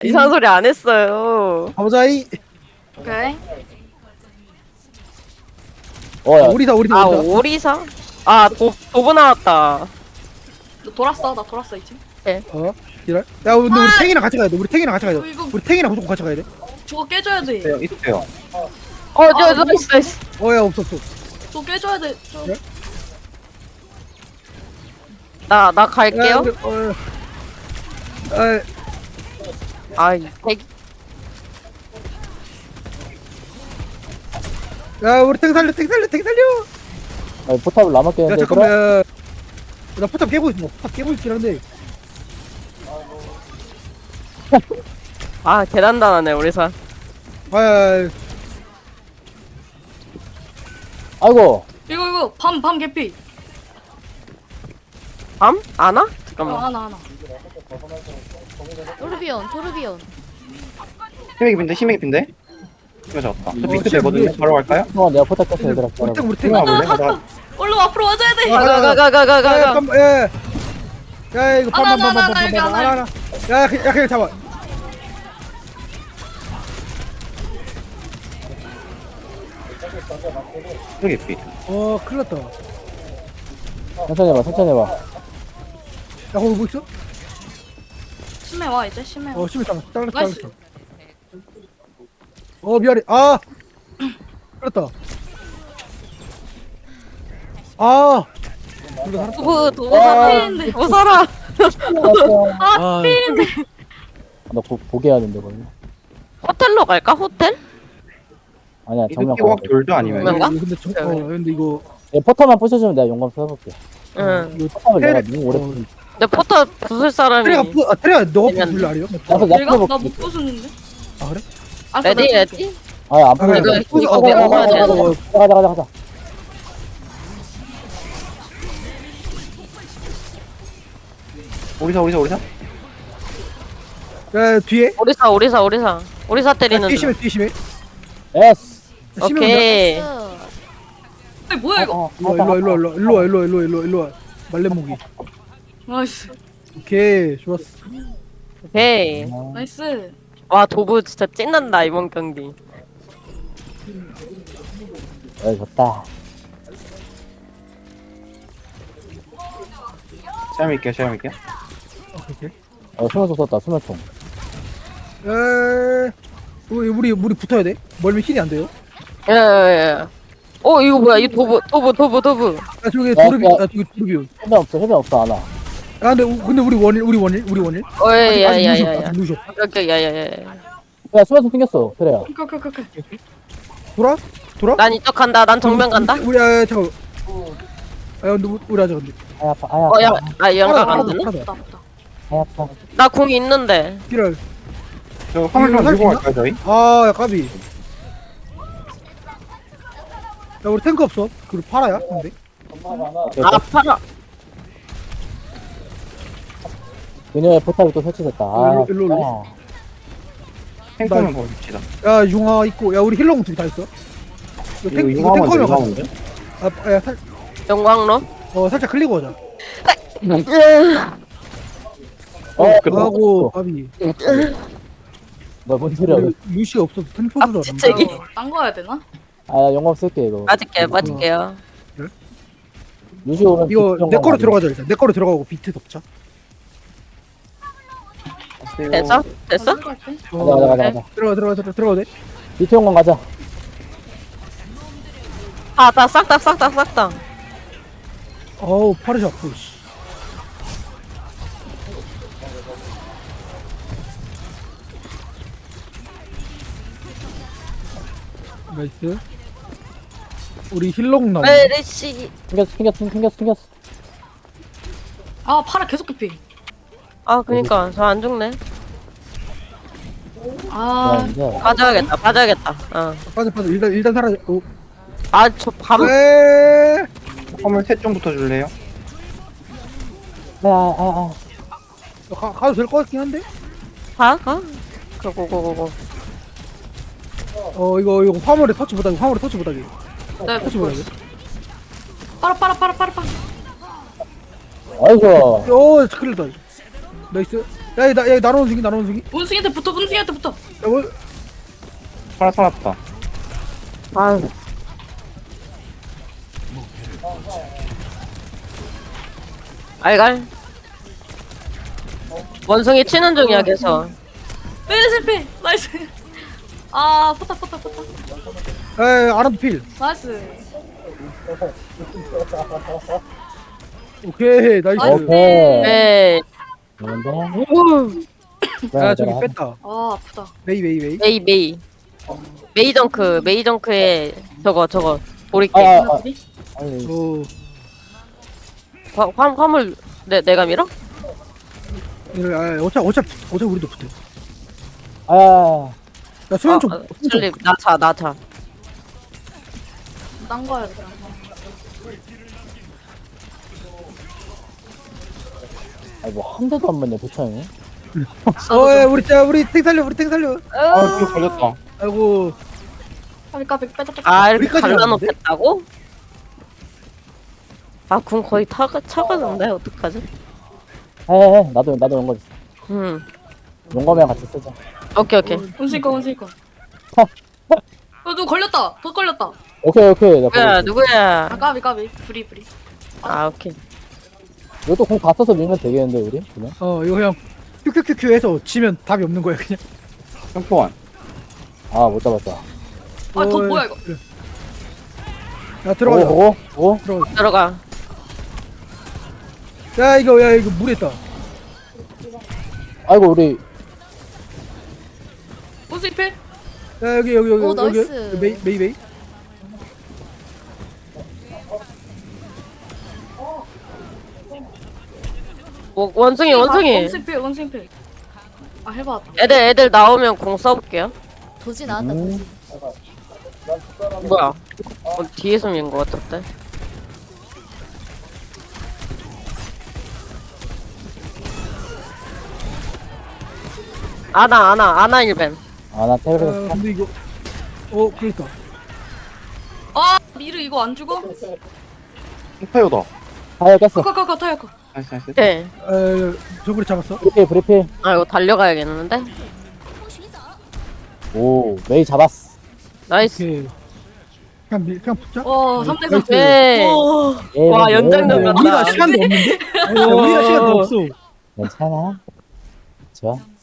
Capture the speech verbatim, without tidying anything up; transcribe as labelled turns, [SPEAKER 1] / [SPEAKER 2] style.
[SPEAKER 1] 이상한 소리 안 했어요.
[SPEAKER 2] 가보자이.
[SPEAKER 3] 오케이.
[SPEAKER 4] 어야
[SPEAKER 2] 우리사 우리사
[SPEAKER 1] 아
[SPEAKER 2] 우리사.
[SPEAKER 1] 오리사? 아 도, 도브 나왔다.
[SPEAKER 3] 너 돌았어. 나 돌았어 이제.
[SPEAKER 2] 어? 이럴. 야 근데 우리 탱이랑 같이 가야 돼. 우리 탱이랑 같이 가야
[SPEAKER 3] 어,
[SPEAKER 2] 돼.
[SPEAKER 3] 이거
[SPEAKER 2] 우리 탱이랑 무조건 같이 가야 돼.
[SPEAKER 3] 저거 깨줘야 돼.
[SPEAKER 5] 있어요, 있어요.
[SPEAKER 1] 어저
[SPEAKER 3] 아,
[SPEAKER 1] 저 있어 있어.
[SPEAKER 2] 어야 없어 없어.
[SPEAKER 3] 저거 깨줘야 돼. 저...
[SPEAKER 2] 그래?
[SPEAKER 1] 나나
[SPEAKER 2] 야,
[SPEAKER 1] 갈게요.
[SPEAKER 2] 우리, 어. 아,
[SPEAKER 1] 아이 대기.
[SPEAKER 2] 야 우리 탱 살려 탱 살려 탱 살려.
[SPEAKER 4] 아니, 포탑을 남았게
[SPEAKER 2] 야
[SPEAKER 4] 했는데
[SPEAKER 2] 잠깐만. 야. 나 포탑 깨고 있어. 포탑 깨고 있긴 한데.
[SPEAKER 1] 아 계단단하네 오리사.
[SPEAKER 2] 아,
[SPEAKER 4] 아이고
[SPEAKER 3] 이거 이거 밤 밤 개피.
[SPEAKER 1] 밤? 안 와?
[SPEAKER 3] 어,
[SPEAKER 1] 잠깐만.
[SPEAKER 3] 하나 하나.
[SPEAKER 6] 토르비온 토르비온
[SPEAKER 5] 힘의 깊인데, 힘의 깊인데? 이거 잡았다. 저 핑크
[SPEAKER 2] 진짜
[SPEAKER 5] 되거든요.
[SPEAKER 2] 모르겠어.
[SPEAKER 5] 바로 갈까요?
[SPEAKER 4] 잠깐만 내가 포탑 깼어 얘들아
[SPEAKER 2] 우리 탱 우리 탱.
[SPEAKER 5] 탱 와볼래? 가자.
[SPEAKER 3] 얼른 앞으로 와줘야 돼.
[SPEAKER 2] 아, 아, 아. 야
[SPEAKER 1] 가가가가가가.
[SPEAKER 2] 잠깐만. 야. 야 이거
[SPEAKER 3] 하나, 하나, 하나,
[SPEAKER 2] 밤밤밤밤밤밤
[SPEAKER 3] 여기 하나.
[SPEAKER 2] 하나 하나. 야 그냥 야, 그냥 잡아.
[SPEAKER 5] 힘의 깊이.
[SPEAKER 2] 어 큰일 났다. 야
[SPEAKER 4] 천천히 해봐 천천히 해봐
[SPEAKER 2] 거기 뭐 있어?
[SPEAKER 3] 심해 와 이제 심해. 와.
[SPEAKER 2] 어 심해 잘랐어 잘랐어
[SPEAKER 3] 나이스.
[SPEAKER 2] 잘랐어. 어 미안해. 아. 그렇다. 아. 둘다 살았다.
[SPEAKER 1] 도브 도브 살아. 도브 살아.
[SPEAKER 2] 아.
[SPEAKER 4] 너 보, 보게 해야 된대 거기
[SPEAKER 1] 호텔로 갈까 호텔?
[SPEAKER 4] 아니야 정면
[SPEAKER 5] 이렇게
[SPEAKER 4] 가야
[SPEAKER 5] 확
[SPEAKER 4] 돼
[SPEAKER 5] 돌죠, 아니면?
[SPEAKER 1] 뭔가?
[SPEAKER 2] 근데 저, 어 근데 이거
[SPEAKER 4] 얘 포탑만 부셔주면 내가 용감 써볼게
[SPEAKER 1] 응.
[SPEAKER 2] 이거
[SPEAKER 4] 포탑을 내가
[SPEAKER 2] 테레-
[SPEAKER 4] 너무 오래
[SPEAKER 2] 어,
[SPEAKER 4] 부신
[SPEAKER 1] 내 포터 부술 사람이.
[SPEAKER 2] 테레가 부, 아 테레가 너가
[SPEAKER 1] 괜찮네.
[SPEAKER 2] 부술래 아니요?
[SPEAKER 4] 나도
[SPEAKER 3] 내가
[SPEAKER 4] 나도
[SPEAKER 3] 나못 부수는데.
[SPEAKER 2] 아 그래?
[SPEAKER 3] 알았어,
[SPEAKER 1] 레디
[SPEAKER 3] 나
[SPEAKER 1] 레디?
[SPEAKER 4] 아안
[SPEAKER 2] 아,
[SPEAKER 4] 부셔
[SPEAKER 1] 이거
[SPEAKER 2] 부술-
[SPEAKER 1] 이거
[SPEAKER 2] 어,
[SPEAKER 1] 내가
[SPEAKER 2] 어,
[SPEAKER 1] 먹어야
[SPEAKER 2] 어,
[SPEAKER 1] 돼.
[SPEAKER 2] 어, 어, 어.
[SPEAKER 4] 가자 가자 가자
[SPEAKER 5] 오리사, 오리사, 오리사?
[SPEAKER 2] 야 뒤에.
[SPEAKER 1] 오리사 오리사 오리사 오리사
[SPEAKER 2] 야,
[SPEAKER 1] 때리는
[SPEAKER 2] 뒤에 심해
[SPEAKER 1] 중.
[SPEAKER 2] 뒤에 심해.
[SPEAKER 4] 에스
[SPEAKER 2] 야, 심해 온다.
[SPEAKER 1] 오케이.
[SPEAKER 3] 아니 뭐야 이거?
[SPEAKER 2] 일로 와 일로 와 일로 와 일로 와 일로 와 일로 와 일로 와 일로 와 말레모기.
[SPEAKER 3] 나이스.
[SPEAKER 2] 오케이 좋았어.
[SPEAKER 1] 오케이.
[SPEAKER 3] 나이스.
[SPEAKER 1] 와 도브 진짜 찐난다 이번 경기.
[SPEAKER 4] 에 좋다
[SPEAKER 5] 시야 밀게요, 시야 밀게요.
[SPEAKER 2] 오케이.
[SPEAKER 4] 어 수면총 썼다 수면총
[SPEAKER 2] 에 우리 우리 우리 붙어야 돼. 멀면 힐이 안 돼요.
[SPEAKER 1] 예예예. 어 이거 뭐야 이 도브 도브 도브 도브.
[SPEAKER 2] 야 저기
[SPEAKER 4] 야,
[SPEAKER 2] 도르비
[SPEAKER 4] 야.
[SPEAKER 2] 야 저기 도르비.
[SPEAKER 4] 해변 없어 해변 없어 안와
[SPEAKER 2] 야 근데 우- 근데 우리 원일 우리 원일 우리 원일. 아직 아직
[SPEAKER 1] 어예야야야야.
[SPEAKER 2] 누셔.
[SPEAKER 1] 오케이 야야야.
[SPEAKER 4] 야 수면총 생겼어 그래야
[SPEAKER 3] 오케이 오케이 오케이. 오케이.
[SPEAKER 2] 돌아? 돌아?
[SPEAKER 1] 난 이쪽 간다. 난 정면 간다.
[SPEAKER 2] 우리 아 잠깐. 아 근데 우- 우리 아직 근데.
[SPEAKER 4] 아야 아파 아야 아파
[SPEAKER 1] 어야 아 연가
[SPEAKER 2] 하나,
[SPEAKER 1] 간다.
[SPEAKER 2] 하나 더.
[SPEAKER 3] 없다 없다.
[SPEAKER 4] 아야 아파
[SPEAKER 1] 나 궁 있는데.
[SPEAKER 2] 필요할.
[SPEAKER 5] 저 화물 좀
[SPEAKER 2] 이거
[SPEAKER 5] 들고
[SPEAKER 2] 할수
[SPEAKER 5] 갈까요, 저희?
[SPEAKER 2] 아, 야, 까비. 야, 우리 탱크 없어. 그리고 팔아야, 근데.
[SPEAKER 1] 아 팔아.
[SPEAKER 4] 그녀의 포탑이 또 설치됐다 아
[SPEAKER 2] 일로, 일로, 일로.
[SPEAKER 4] 아,
[SPEAKER 5] 탱커만 보십시다.
[SPEAKER 2] 야, 융화 있고. 야, 우리 힐러공 둘다 있어. 이거
[SPEAKER 5] 이거
[SPEAKER 2] 탱, 이거
[SPEAKER 5] 이거 하면 돼,
[SPEAKER 2] 탱커면
[SPEAKER 5] 이거
[SPEAKER 2] 가자.
[SPEAKER 5] 하면 돼?
[SPEAKER 2] 아, 야, 살,
[SPEAKER 1] 영광로.
[SPEAKER 2] 어, 살짝 클리고 하자.
[SPEAKER 4] 어
[SPEAKER 2] 하고, 까비.
[SPEAKER 4] 너뭔 소리야
[SPEAKER 2] 우리 루시가 없어서 템포도 안
[SPEAKER 1] 진짜 이게-
[SPEAKER 3] 딴거 해야 되나?
[SPEAKER 4] 아야 용감 쓸게 이거
[SPEAKER 1] 빠질게요 빠질게요.
[SPEAKER 4] 유시 오면
[SPEAKER 2] 이거
[SPEAKER 4] 비트
[SPEAKER 2] 내
[SPEAKER 4] 용감
[SPEAKER 2] 거로
[SPEAKER 4] 가자.
[SPEAKER 2] 들어가자, 일단. 내 거로 들어가고 비트 덮자.
[SPEAKER 1] 됐어? 됐어?
[SPEAKER 3] 가자 갈게.
[SPEAKER 2] 어,
[SPEAKER 4] 가자 가자 가자
[SPEAKER 2] 들어가, 들어가, 들어가, 들어가도 돼?
[SPEAKER 4] 비트 용감 가자
[SPEAKER 1] 아나 싹다 싹다 싹다.
[SPEAKER 2] 어우, 파르시 아프, 씨. 나이스. 우리 힐러공 나오네.
[SPEAKER 1] 메르시.
[SPEAKER 4] 생겼어 생겼어 생겼어 생겼어
[SPEAKER 3] 아 파라 계속 개피.
[SPEAKER 1] 아 그니까 저 안 죽네.
[SPEAKER 4] 야
[SPEAKER 3] 아
[SPEAKER 4] 이제
[SPEAKER 1] 빠져야겠다 빠져야겠다. 어.
[SPEAKER 2] 빠져, 빠져. 일단, 일단 사라져. 오.
[SPEAKER 1] 아저 밤.
[SPEAKER 2] 에
[SPEAKER 5] 화물 셋 좀 붙어줄래요?
[SPEAKER 4] 아아아
[SPEAKER 2] 가, 가도 될 것 같긴 한데?
[SPEAKER 1] 가 가. 고고고고고.
[SPEAKER 2] 어 이거 이거 화물에 터치 못하게 화물에 터치 못하게
[SPEAKER 3] 네.
[SPEAKER 2] 터치 못하게
[SPEAKER 3] 파라 파라 파라 파라 파라.
[SPEAKER 4] 아이고
[SPEAKER 2] 오 큰일 났다 나이스 야, 야, 나, 야, 나눠 주기, 나눠 주기.
[SPEAKER 3] 원숭이한테 붙어 원숭이한테 붙어.
[SPEAKER 2] 야, 뭐,
[SPEAKER 5] 파라 살았다.
[SPEAKER 1] 아, 알갈. 원숭이 치는 중이야 계속.
[SPEAKER 3] 왜 실패? 나이스. 아 포탑 포탑 포탑.
[SPEAKER 2] 야, 야, 아라도 필.
[SPEAKER 3] 나이스.
[SPEAKER 2] 오케이, 나이스.
[SPEAKER 3] 나이스.
[SPEAKER 4] 오케이.
[SPEAKER 1] 네.
[SPEAKER 4] 그런데
[SPEAKER 1] 오,
[SPEAKER 2] 야, 저기 뺐다.
[SPEAKER 3] 아 아프다.
[SPEAKER 2] 메이, 메이, 메이.
[SPEAKER 1] 메이 메이. 메이 정크 메이 정크에 저거 저거 보리게.
[SPEAKER 4] 아, 아, 아.
[SPEAKER 3] 하나들이?
[SPEAKER 4] 아니
[SPEAKER 2] 어,
[SPEAKER 1] 화, 화, 화물 내 내가 밀어?
[SPEAKER 2] 이거, 아, 어차피, 어차피, 어차피 우리도 붙어.
[SPEAKER 4] 아
[SPEAKER 2] 야, 수면 좀,
[SPEAKER 1] 아,
[SPEAKER 2] 수면 좀.
[SPEAKER 1] 슬립 나차 나차.
[SPEAKER 3] 딴 거야 그냥.
[SPEAKER 4] 아니 뭐 한 대도 안 맞네 도창이.
[SPEAKER 2] 어, 야, 우리, 자, 우리 탱 살려, 우리 탱 살려.
[SPEAKER 5] 아, 이거 걸렸다.
[SPEAKER 2] 아이고,
[SPEAKER 3] 까비 까비 빼자 빼자.
[SPEAKER 1] 아 이렇게
[SPEAKER 2] 우리까지
[SPEAKER 1] 갈라놓겠다고? 아 궁 거의 타가 차가는데 어떡하지?
[SPEAKER 4] 해해 나도 나도 용검 있어.
[SPEAKER 1] 음
[SPEAKER 4] 용검이랑 같이 쓰자.
[SPEAKER 1] 오케이 오케이.
[SPEAKER 3] 원숭이 거 원숭이 거. 어 누구 걸렸다. 더 걸렸다.
[SPEAKER 4] 오케이 오케이. 내가
[SPEAKER 1] 누구야
[SPEAKER 4] 가볼게.
[SPEAKER 1] 누구야?
[SPEAKER 3] 아 까비 까비. 브리 브리.
[SPEAKER 1] 아 오케이.
[SPEAKER 4] 이것도 공 다 써서 밀면 되겠는데 우리 그냥.
[SPEAKER 2] 어, 이거 그냥 큐큐큐큐 해서 지면 답이 없는 거야, 그냥.
[SPEAKER 5] 평포원.
[SPEAKER 4] 아 못 잡았다.
[SPEAKER 3] 아 더
[SPEAKER 2] 어,
[SPEAKER 3] 뭐야 이거.
[SPEAKER 2] 그래. 야, 들어가자.
[SPEAKER 4] 보고 보고.
[SPEAKER 2] 들어가자.
[SPEAKER 1] 들어가.
[SPEAKER 2] 야, 이거, 야, 이거 물에 있다.
[SPEAKER 4] 아이고 우리
[SPEAKER 3] 원숭이 필.
[SPEAKER 2] 야, 여기, 여기, 여기,
[SPEAKER 6] 오,
[SPEAKER 2] 여기,
[SPEAKER 6] 나이스.
[SPEAKER 2] 여기, 메이, 메이, 메이.
[SPEAKER 1] 뭐, 원숭이 원숭이.
[SPEAKER 3] 원숭이 필 원숭이 필. 아 해봤다.
[SPEAKER 1] 애들 애들 나오면 공 써볼게요.
[SPEAKER 6] 도지 나왔다
[SPEAKER 4] 음.
[SPEAKER 6] 도지.
[SPEAKER 1] 뭐야? 어, 뒤에서 민거 같았대. 아나 아나 아나 일벤.
[SPEAKER 4] 아나
[SPEAKER 2] 아,
[SPEAKER 4] 테레비에서
[SPEAKER 2] 근데 이거, 어, 그러니까.
[SPEAKER 3] 아 미르 이거 안 죽어?
[SPEAKER 5] 평파요다.
[SPEAKER 4] 타이어 깼어.
[SPEAKER 3] 가가가 타야 거.
[SPEAKER 5] 나이스, 나이스.
[SPEAKER 1] 네.
[SPEAKER 2] 에, 저구리 잡았어.
[SPEAKER 4] 브리필 브리필.
[SPEAKER 1] 아 이거 달려가야겠는데.
[SPEAKER 4] 오 메이 잡았어.
[SPEAKER 1] 나이스.
[SPEAKER 2] 오케이. 그냥, 밀, 그냥 붙자.
[SPEAKER 3] 와 삼 대 삼.
[SPEAKER 1] 네.
[SPEAKER 3] 오.
[SPEAKER 4] 예,
[SPEAKER 1] 와,
[SPEAKER 4] 뭐,
[SPEAKER 1] 연장전
[SPEAKER 4] 뭐,
[SPEAKER 1] 같다.
[SPEAKER 2] 우리가 시간도 없는데? 야, 우리가 시간도 없어.
[SPEAKER 4] 괜찮아. 좋아.